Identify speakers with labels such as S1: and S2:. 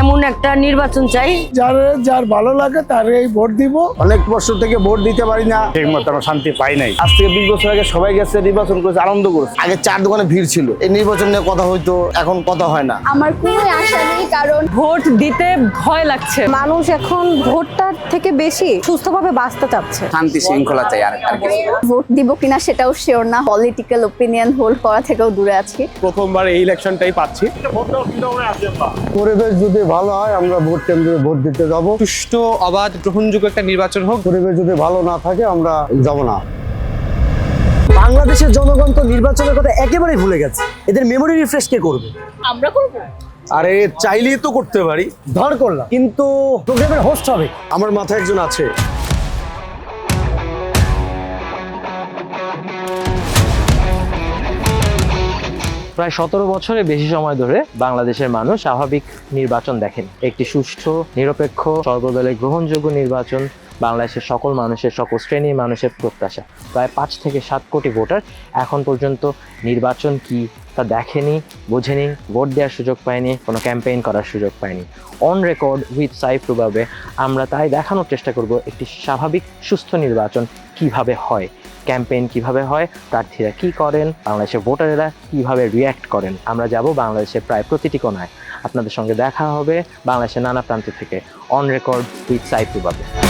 S1: এমন একটা নির্বাচন চাই
S2: যার ভালো লাগে তারই ভোট দিব।
S3: অনেক বছর থেকে ভোট দিতে পারি না,
S4: ঠিক মতো শান্তি পাই নাই।
S3: আজ থেকে 20 বছর আগে সবাই গেছে নির্বাচন করেছে, আনন্দ করেছে। আগে 4 দোকানে ভিড় ছিল, এই নির্বাচন নিয়ে কথা হইতো, এখন কথা হয় না।
S5: আমার কোনো আশা নেই, কারণ
S1: ভোট দিতে ভয় লাগছে।
S6: মানুষ এখন ভোটটার থেকে বেশি সুস্থভাবে বাঁচতে চাচ্ছে।
S7: শান্তি শৃঙ্খলা চাই আর কিছু।
S5: ভোট দিব কিনা সেটাও শিওর না, পলিটিক্যাল ওপিনিয়ন হোল্ড করা থেকেও দূরে আছি।
S4: প্রথমবার এই ইলেকশনটাই পাচ্ছি।
S2: পরিবেশ যদি ভালো হয় আমরা ভোট কেন্দ্রে ভোট দিতে যাব।
S7: সুষ্ঠু, অবাধ, গ্রহণযোগ্য একটা নির্বাচন হোক।
S2: পরিবেশ যদি ভালো না থাকে আমরা যাব না।
S8: বাংলাদেশের জনগণ তো নির্বাচনের কথা একেবারেই ভুলে গেছে। এদের মেমোরি রিফ্রেশ কে করবে?
S5: আমরা করব।
S3: আরে চাইলেই তো করতে পারি।
S8: ধর করলাম, কিন্তু প্রোগ্রামের হোস্ট হবে।
S3: আমার মাথায় একজন আছে।
S9: প্রায় 17 বছরের বেশি সময় ধরে বাংলাদেশের মানুষ স্বাভাবিক নির্বাচন দেখেন। একটি সুষ্ঠু, নিরপেক্ষ, সর্বদলের গ্রহণযোগ্য নির্বাচন বাংলাদেশের সকল মানুষের, সকল শ্রেণীর মানুষের প্রত্যাশা। প্রায় 5 থেকে 7 কোটি ভোটার এখন পর্যন্ত নির্বাচন কি তা দেখেনি, বোঝেনি, ভোট দেওয়ার সুযোগ পায়নি, কোনো ক্যাম্পেইন করার সুযোগ পায়নি। অন রেকর্ড উইথ সাইফ রুবাবে আমরা তাই দেখানোর চেষ্টা করব একটি স্বাভাবিক সুস্থ নির্বাচন কিভাবে হয়, ক্যাম্পেইন কিভাবে হয়, প্রার্থীরা কি করেন, বাংলাদেশের ভোটারেরা কিভাবে রিয়্যাক্ট করেন। আমরা যাব বাংলাদেশের প্রায় প্রতিটি কোণায়, আপনাদের সঙ্গে দেখা হবে বাংলাদেশের নানা প্রান্ত থেকে। On record with Saif রুবাবে।